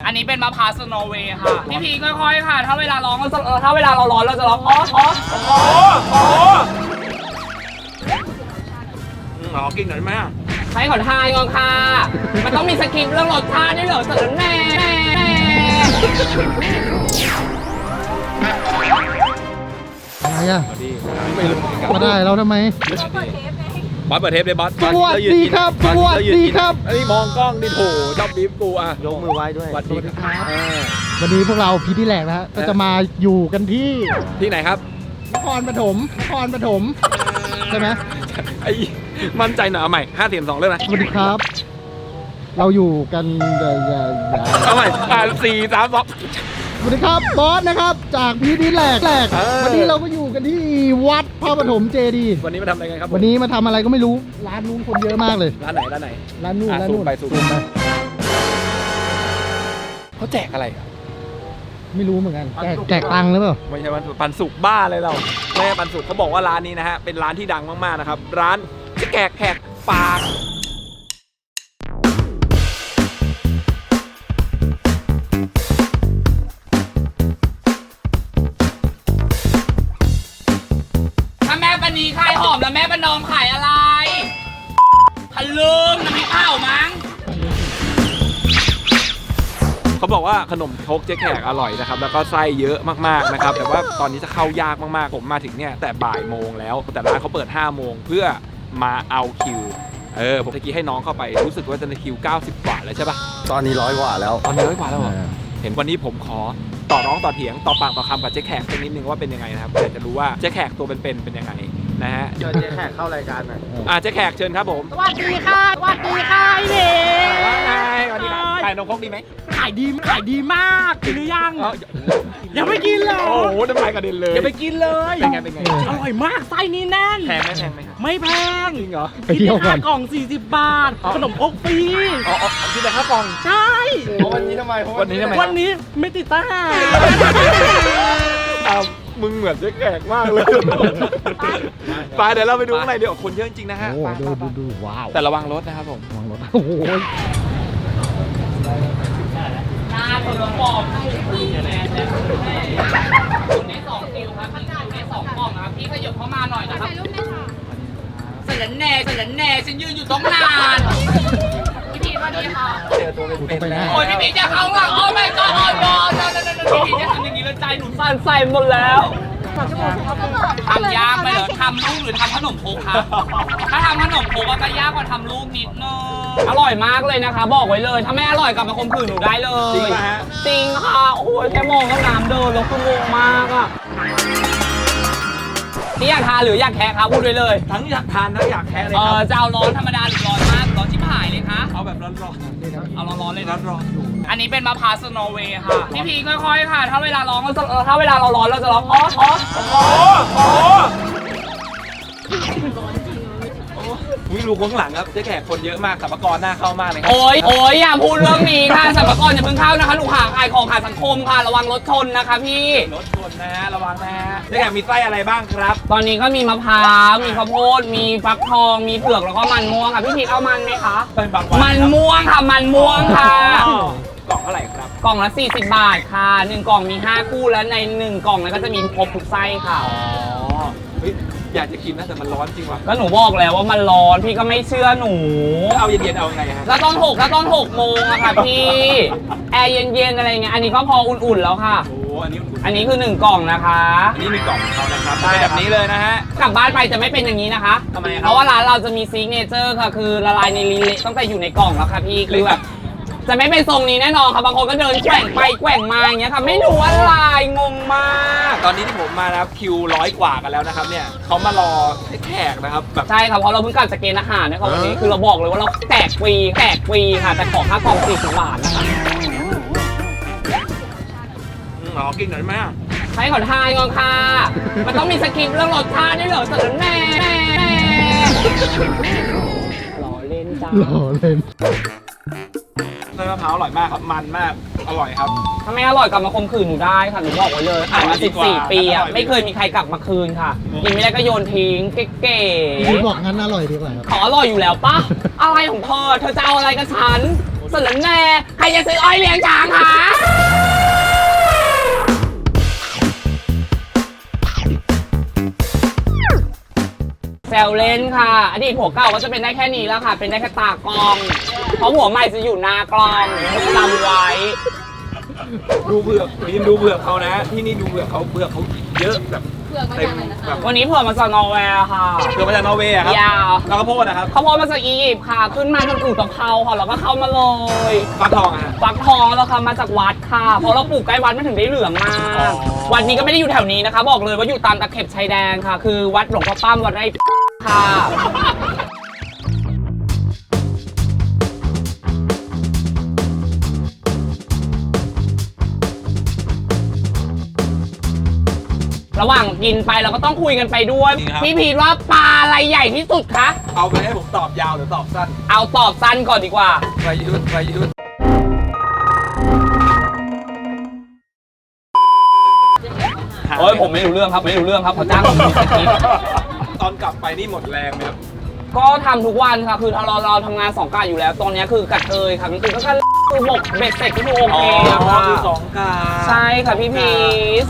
อันนี้เป็นมะพร้าวสโนว์เวย์ค่ะพี่พีค่อยๆค่ะถ้าเวลาร้องถ้าเวลาเราร้อนเราจะร้องอ๋อกินหน่อยไหมใช้ขอทายก่อนค่ะมันต้องมีสคริปต์เรื่องรสชาติด้วยเหรอสารแน่อะไรอ่ะมาได้เราทำไมบอสเปิดเทปเลยบอสสวัสดีครับสวัสดีครับไอ้มองกล้องดิโถชอบบีบกูอ่ะยกมือไหว้ด้วยสวัสดีครับวันนี้พวกเราพีที่แหลกนะฮะก็จะมาอยู่กันที่ไหนครับนครปฐมใช่ไหมไอ้มั่นใจหน่อยเอาใหม่5 4 2เรื่องนะสวัสดีครับ เราอยู่กันเอาใหม่4 3 2 สวัสดีครับบอสนะครับจากพีที่แหลกวันนี้เราก็อยู่กันที่วัดพระปฐมเจดีย์วันนี้มาทำอะไรกันครับวันนี้มาทำอะไรก็ไม่รู้ร้านนู้นคนเยอะมากเลยร้านไหนร้านนู่นไปสู่เขาแจกอะไรไม่รู้เหมือนกันแจกตังค์หรือเปล่าไม่ใช่ปันสุกบ้าเลยเราไม่ใช่ปันสุกเขาบอกว่าร้านนี้นะฮะเป็นร้านที่ดังมากๆนะครับร้านจะแขกปากถ้าแม่ปณีขายหอมแล้วแม่ประนอมขายอะไรทะลึ่งน้ำพริกเผามั้งเขาบอกว่าขนมครกเจ๊แขกอร่อยนะครับแล้วก็ไส้เยอะมากๆนะครับแต่ว่าตอนนี้จะเข้ายากมากๆผมมาถึงเนี่ยแต่บ่ายโมงแล้วแต่ร้านเขาเปิด5 โมงเพื่อมาเอาคิวผมตะกี้ให้น้องเข้าไปรู้สึกว่าจะในคิว90 กว่าแล้วใช่ปะตอนนี้100 กว่าแล้วตอนนี้100 กว่าแล้วเหรอเห็นวันนี้ผมขอต่อร้องต่อเถียงต่อปากต่อคำกับเจ๊แขกสักนิดนึงว่าเป็นยังไงนะครับอยากจะรู้ว่าเจ๊แขกตัวเป็นยังไงนะฮะเชิญเจ๊แขกเข้ารายการหน่อยเจ๊แขกเชิญครับผมสวัสดีค่ะสวัสดีค่ะพี่เอ๋ว่าไงสวัสดีครับขายนมครกดีไหมขายดีมากกินหรือยังยังไม่กินเลยโอ้โหน้ำลายกระเด็นเลยอย่าไปกินเลยเป็นไงอร่อยมากไส้นี้แน่นแพงไหมไม่แพงจริงเหรอไปเที่ยวกันกล่อง40 บาทขนมครกฟรีกินแต่ข้าวกล่องใช่วันนี้ทำไมวันนี้ไม่ติดตั้งมึงเหมือนเจ๊แขกมากเลยไปเดี๋ยวเราไปดูข้างในเดี๋ยวคนเยอะจริงนะฮะดูว้าวแต่ระวังรถนะครับผมระวังรถโอ้โหหน้าคนละปอบคุณได้2 คิวครับพี่คิวได้2 กล่องครับพี่ขยับเข้ามาหน่อยนะครับเสร็จแน่ฉันยืนอยู่ต้องนานพี่พีสวัสดีค่ะโอ้ยพี่พีจะเข้าหลังโอ้ my god โอ้ god พี่พีจะทำอย่างนี้แล้วใจหนูสั่นใส่หมดแล้วทำยากไปเหรอทำลูกหรือทำขนมโคกครับถ้าทำขนมโคกก็ยากกว่าทำลูกนิดนึงอร่อยมากเลยนะคะบอกไว้เลยถ้าไม่อร่อยกลับมาข่มขืนหนูได้เลยจริงป่ะฮะจริงค่ะโอ้ยแค่มองก็น้ำเดินแล้วคืองงมากอ่ะนี่อยากทานหรืออยากแคะครับพูดไว้เลยทั้งอยากทานทั้งอยากแคะเลยครับจะเอาร้อนธรรมดาหรือร้อนมากร้อนชิบหายเลยคะเอาแบบร้อนๆเอาร้อนๆเลยร้อนอยู่อันนี้เป็นมะพร้าวสโนว์เวย์ค่ะพี่พีค่อยๆค่ะถ้าเวลาร้องถ้าเวลาเราร้อนเราจะร้องอ๋อวิ่งดูข้างหลังครับเจ๊แขกคนเยอะมากสัมภาระหน้าเข้ามากเลยครับโอ้ยอย่าพูดเรื่องนี้ค่ะสัมภาระอย่าเพิ่งเข้านะคะลูกค้าขายของขายสังคมค่ะระวังรถชนนะคะพี่รถชนนะฮะระวังนะฮะเจ๊แขกมีไส้อะไรบ้างครับตอนนี้ก็มีมะพร้าวมีข้าวโพดมีฟักทองมีเผือกแล้วก็มันม่วงค่ะพี่พีเอามันไหมคะเป็นบางวันมันม่วงค่ะมันม่วงค่ะกล่องเท่าไหร่ครับกล่องละ40 บาทค่ะ1 กล่องมี5 คู่แล้วใน1 กล่องนั้นก็จะมีครบทุกไส้ค่ะอยากจะกินนะแต่มันร้อนจริงว่ะก็หนูบอกแล้วว่ามันร้อนพี่ก็ไม่เชื่อหนูเอาเย็นๆเอาไงฮะแล้วตอน6 โมงอะค่ะพี่แอร์เย็นๆอะไรเงี้ยอันนี้ก็พออุ่นๆแล้วค่ะอันนี้คือ1 กล่องนะคะอันนี้1 กล่องของเขานะครับได้แบบนี้เลยนะฮะกลับบ้านไปจะไม่เป็นอย่างนี้นะคะทำไมเพราะว่าร้านเราจะมีซิกเนเจอร์ค่ะคือละลายในลิ้นตั้งแต่อยู่ในกล่องแล้วค่ะพี่คือแบบจะไม่เป็นทรงนี้แน่นอนค่ะบางคนก็เดินแกว่งไปแกว่งมาอย่างเงี้ยค่ะไม่รู้อะไรงงมากตอนนี้ที่ผมมานะครับคิว100 กว่ากันแล้วนะครับเนี่ยเขามารอแขกนะครับแบบใช่ครับเพราะเราเพิ่งกลับจากเกณฑ์อาหารนะครับวันนี้คือเราบอกเลยว่าเราแจกฟรีค่ะแต่ขอค่ากล่อง40 บาทนะคะกินหน่อยไหมใช้ขอทายก่อนค่ะมันต้องมีสคริปต์เรื่องรสชาติด้วยเหรอสารแน่หล่อเล่นจ้าหล่อเล่นไส้มะพร้าวอร่อยมากครับมันมากอร่อยครับถ้าไม่อร่อยกลับมาข่มขืนหนูได้ค่ะหนูบอกไว้เลยขายมา14 ปีอ่ะไม่เคยมีใครกลับมาคืนค่ะกินไม่ได้ก็โยนทิ้งเก๋ๆพี่บอกงั้นอร่อยดีกว่าขออร่อยอยู่แล้วปะอะไรของเธอจะเอาอะไรกับฉันสารแน่ใครจะซื้ออ้อยเลี้ยงช้างคะวเล่นค่ะ อดีตผัวเก่าก็จะเป็นได้แค่นี้แล้วค่ะ เป็นได้แค่ตากล้อง เพราะผัวใหม่จะอยู่หน้ากล้องจำไว้ดูเผือกรีนดูเผือกเขานะ ที่นี่ดูเผือกเขาเยอะแบบเต็มแบบวันนี้เผื่อมาจากนอร์เวย์ค่ะเผือกมาจากนอร์เวย์อะครับยาวแล้วก็โพดนะครับเขาโพสต์มาจากอียิปต์ค่ะ ขึ้นมาทางอู่ตะเภาค่ะ แล้วก็เข้ามาเลยฟักทองอะฮะฟักทองแล้วค่ะมาจากวัดค่ะ เพราะเราปลูกใกล้วัดมันถึงได้เหลืองมาก วัดนี้ก็ไม่ได้อยู่แถวนี้นะคะ บอกเลยว่าอยู่ตามตะเข็บชายแดนค่ะ คือวัดหลวงพ่อปั้มวัดไร่ค่ะ ระหว่างกินไปเราก็ต้องคุยกันไปด้วย พี่พีทว่าปลาอะไรใหญ่ที่สุดคะเอาไปให้ผมตอบยาวหรือตอบสั้นเอาตอบสั้นก่อนดีกว่าประยุทธ์โอ้ยผมไม่รู้เรื่องครับ ไม่รู้เรื่องครับเขาจ้างผมมีสคริปต์ตอนกลับไปนี่หมดแรงไหมครับก็ทำทุกวันค่ะ คือเราทำงาน2 กะอยู่แล้ว ตอนนี้คือกะเทยค่ะคือก็คือหมกเบ็ดเสร็จก็คือโอเคอะค่ะคือสองกาใช่ค่ะพี่พีช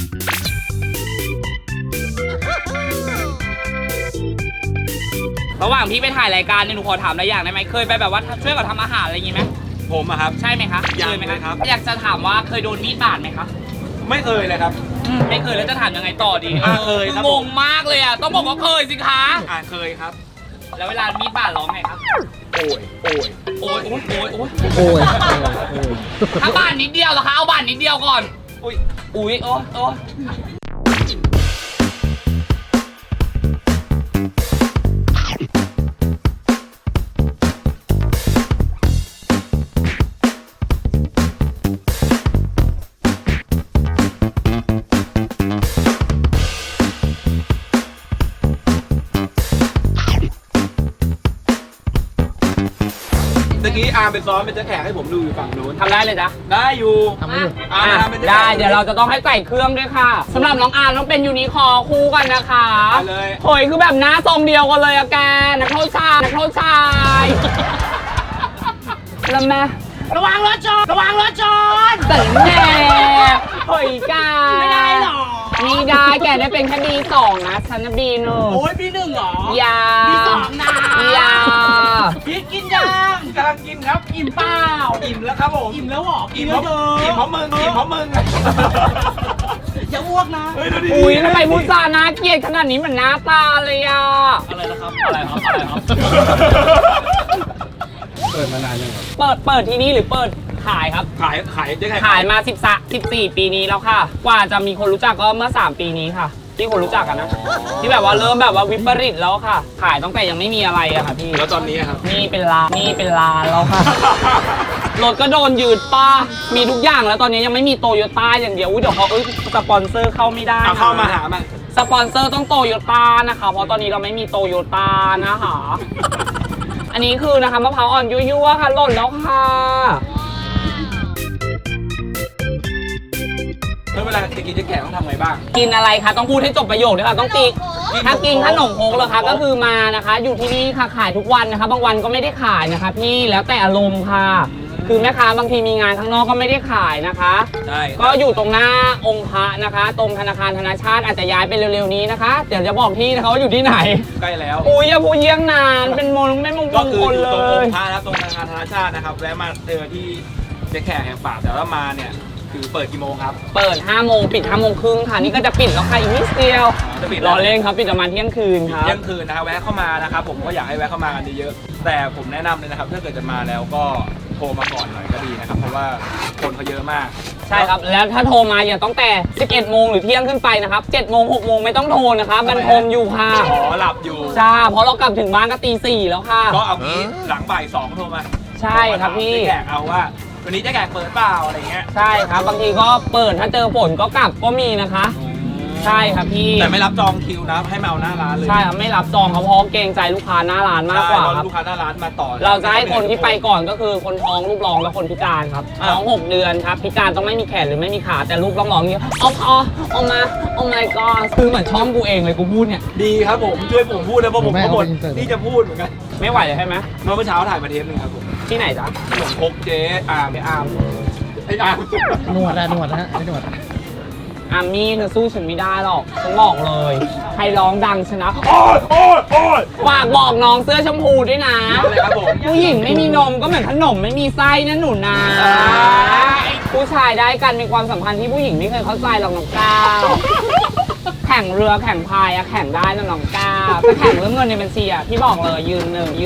ระหว่างพี่ไปถ่ายรายการเนี่ยหนูขอถามอะไรอย่างได้ไหมเคยไปแบบว่าช่วยกับทำอาหารอะไรอย่างงี้ไหมผมอะครับใช่ไหมคะยังเคยไหมเลยครับอยากจะถามว่าเคยโดนมีดบาดไหมคะไม่เคยเลยครับไม่เคยแล้วจะถามยังไงต่อดีเคยครับงงมากเลยอ่ะต้องบอกว่าเคยสิคะเคยครับแล้วเวลามีดบาดร้องไงครับโอ้ยโอ้ยโอ้ยโอ้ยโอ้ยถ้าบาดนิดเดียวเหรอคะเอาบาดนิดเดียวก่อนอุ้ยอุ้ยโอ้ยโอ้ยตะกี้อาร์มเป็นซ้อมเป็นเจ้าแขกให้ผมดูอยู่ฝั่งนู้นทำได้เลยจ้ะได้อยู่ทำไม่อยู่อาร์มทำเป็นเจ้าแขกได้เดี๋ยวเราจะต้องให้ใส่เครื่องด้วยค่ะสำหรับน้องอาร์มต้องเป็นยูนิคอร์คู่กันนะคะได้เลยโอยคือแบบหน้าทรงเดียวกันเลยอะแกนักโทษชายนักโทษชายแล้วแม่ระวังรถชนระวังรถชนแต่แน่เฮ้ยกาไม่ได้หรอมีได้แกได้เป็นแค่B2นะฉันนะB1โอ้ยB1เหรอยาB2นะยาพีทกินยังกำลังกินครับอิ่มเปล่าอิ่มแล้วครับผมอิ่มแล้วหรออิ่มเพราะมึงอิ่มเพราะมึงอย่าอ้วกนะเฮ้ยดูดิอุ้ยทำไมพูดจาน่าเกลียดขนาดนี้เหมือนหน้าตาเลยอ่ะอะไรนะครับอะไรครับ เปิดมานานยังครับเปิดที่นี่หรือเปิดขายครับขายเจ๊แขกขายมา14 ปีนี้แล้วค่ะ กว่าจะมีคนรู้จักก็เมื่อ3 ปีนี้ค่ะ ที่คนรู้จักกันนะ ที่แบบว่าเริ่มแบบว่าวิปริตแล้วค่ะ ขายตั้งแต่ยังไม่มีอะไรอะค่ะพี่แล้วตอนนี้ครับนี่เป็นร้านแล้วค่ะ รถก็โดนยืดป้า มีทุกอย่างแล้วตอนนี้ยังไม่มีโตโยต้าอย่างเดียวอุ้ยเดี๋ยวเขาสปอนเซอร์เข้าไม่ได้เอานะเข้ามาหามาสปอนเซอร์ต้องโตโยต้านะคะ เพราะตอนนี้เราไม่มีโตโยต้านะคะ อันนี้คือนะคะมะพร้าวอ่อนยั่วๆค่ะหล่นแล้วค่ะแล้วเวลาจะกินเจ๊แขกต้องทำไงบ้างกินอะไรคะต้องพูดให้จบประโยคด้วยค่ะต้องติ๊กถ้ากินขนมโคกเหรอคะก็คือมานะคะ อยู่ที่นี่ค่ะขายทุกวันนะคะ บางวันก็ไม่ได้ขายนะคะ พี่แล้วแต่อารมณ์ค่ะ คือแม่ค้าบางทีมีงานข้างนอกก็ไม่ได้ขายนะคะได้ก็อยู่ตรงหน้าองค์พระนะคะ ตรงธนาคารธนาชาติอาจจะย้ายไปเร็วๆนี้นะคะ เดี๋ยวจะบอกที่นะคะว่าอยู่ที่ไหนใกล้แล้วอุ้ยอย่าพูดเยี่ยงนานเป็นมงไม่มงก็คือคลอยู่เลตรงองยค์พระนะตรงธนาคารธนาชาตินะครับแวะมาเจอที่เจ๊แขกแห่งป่าแต่ว่ามาเนี่ยคือเปิดกี่โมงครับเปิด5 โมงปิด5 โมงครึ่งค่ะ นี่ก็จะปิดแล้วค่ะอีกนิดเดียวจะปิดรอเล่นครับปิดประมาณเที่ยงคืนครับเที่ยงคืนนะครับแวะเข้ามานะครับผมก็อยากให้แวะเข้ามากันเยอะๆแต่ผมแนะนำเลยนะครับถ้าเกิดจะมาแล้วก็โทรมาก่อนหน่อยก็ดีนะครับเพราะว่าคนเขาเยอะมากใช่ครับ แล้วถ้าโทรมาอย่าต้องแต่ 11 โมงหรือเที่ยงขึ้นไปนะครับ 7 โมง 6 โมงไม่ต้องโทรนะครับมันโทรอยู่ค่ะขอหลับอยู่ใช่เพราะเรากลับถึงบ้านก็ตี 4 แล้วค่ะก็เอางี้หลังบ่าย2โทรมาใช่ครับพี่เจ๊แขกเอาว่าวันนี้เจ๊แขกเปิดเปล่าอะไรเงี้ยใช่ครับบางทีก็เปิดถ้าเจอฝนก็กลับก็มีนะคะ ใช่ครับพี่แต่ไม่รับจองคิวนะให้มาเอาหน้าร้านเลยใช่ครับไม่รับจองครับเพราะเกรงใจลูกค้าหน้าร้านมากกว่าใช่ครับลูกค้าหน้าร้านมาต่อเราจะให้คนที่ไปก่อนก็คือคนท้องลูกร้องและคนพิการครับอ่ะท้อง 6 เดือนครับพิการต้องไม่มีแขนหรือไม่มีขาแต่ลูกต้องร้องอย่างนี้เอามา my god คือเหมือนช่องกูเองเลยกูพูดเนี่ยดีครับผมช่วยผมพูดนะเพราะผมก็หมดผมไม่เอาไปอินเสิร์ตที่จะพูดเหมือนกันไม่ไหวเลยใช่ไหมเมื่อเช้าถ่ายมาเทปหนึงครับผมที่ไหนจ๊ะขนมครกเจ๊อาร์มไอ้อาร์มหนวดนะไอ้หนวดอามี่เธอสู้ฉันไม่ได้หรอกฉันบอกเลยใครร้องดังชนะฝากบอกน้องเสื้อชมพูด้วยนะอะไรครับผมผู้หญิงไม่มีนมก็เหมือนขนมไม่มีไส้นะหนูนะ ผู้ชายได้กันมีความสัมพันธ์ที่ผู้หญิงไม่เคยเข้าใจหรอกน้องก้าวแข่งเรือแข่งพายอะแข่งได้นะน้องก้าวแต่แข่งเรื่องเงินในบัญชีอะพี่บอกเลยยืนหนึ่ง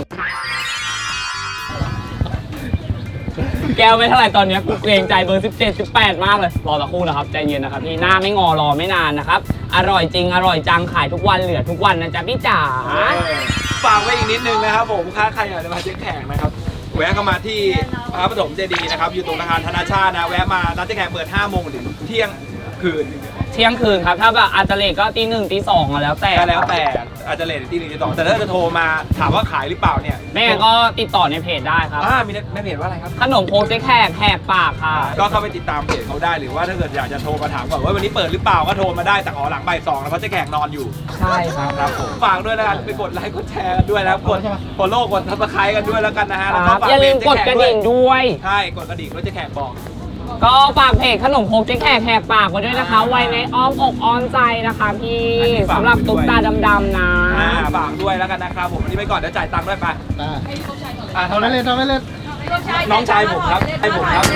แก้วไม่เท่าไหร่ตอนนี้กูเกรงใจเบอร์ 17 18 มากเลยรอสักครู่นะครับใจเย็นนะครับพี่หน้าไม่งอรอไม่นานนะครับอร่อยจริงอร่อยจังขายทุกวันเหลือทุกวันนะจ๊ะพี่จ๋าฝากไว้อีกนิดนึงนะครับผมถ้าใครอยากจะมาเจ๊แขกนะครับแวะเข้ามาที่พระปฐมเจดีย์นะครับอยู่ตรงอาคารธนาชาตินะแวะมาร้านเจ๊แขกเปิด5 โมงถึงเที่ยงคืนเที่ยงคืนครับถ้าแบบอาจจะเลทก็ตี 1 ตี 2อะแล้วแต่ก็แล้วแต่อาจจะเลทที่1ที่2แต่ถ้าจะโทรมาถามว่าขายหรือเปล่าเนี่ยไม่งั้นก็ติดต่อในเพจได้ครับมีในเพจว่าอะไรครับขนมโคกเจ๊แขกแหกปากค่ะก็เข้าไปติดตามเพจเขาได้หรือว่าถ้าเกิดอยากจะโทรมาถามก่อนว่าวันนี้เปิดหรือเปล่าก็โทรมาได้แต่ขอหลังบ่าย 2แล้วเพราะเจ๊แขกนอนอยู่ใช่ครับครับผมฝากด้วยนะครับไปกดไลค์กดแชร์กันด้วยนะครับกดฟอลโล่กดซับสไครต์กันด้วยแล้วกันนะฮะแล้วก็ฝากอย่าลืมกดกระดิ่งด้วยใช่กดกระดิ่งด้วยเจ๊แขกบอกก็ฝากเพจขนมโคกเจ๊แขกแหกปากไว้ด้วยนะคะ ไว้ในอ้อมอกอ้อมใจนะคะพี่สำหรับตุ๊กตาดำๆนะฝากด้วยแล้วกันนะครับผมวันนี้ไปก่อนเดี๋ยวจ่ายตังค์ด้วยไปทำได้เลยทำได้เลยน้องชายผมครับให้ผมครับ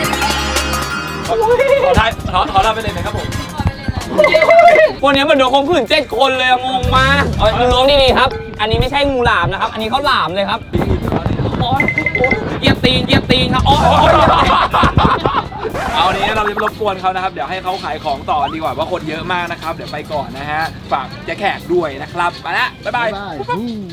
ขอรับไปเลยไหมครับผมวันนี้มันโดนข่มขืน7 คนเลยอะงงมากเอามึงล้วงดีๆครับ อันนี้ไม่ใช่งูหลามนะครับ อันนี้เขาหลามเลยครับโอ๊ยเหยียบตีนครับโอ๊ยเอานี้เราจะไปรบกวนเขานะครับเดี๋ยวให้เขาขายของต่อดีกว่าว่าคนเยอะมากนะครับเดี๋ยวไปก่อนนะฮะฝากเจ๊แขกด้วยนะครับไปละบ๊ายบายบ๊ายบาย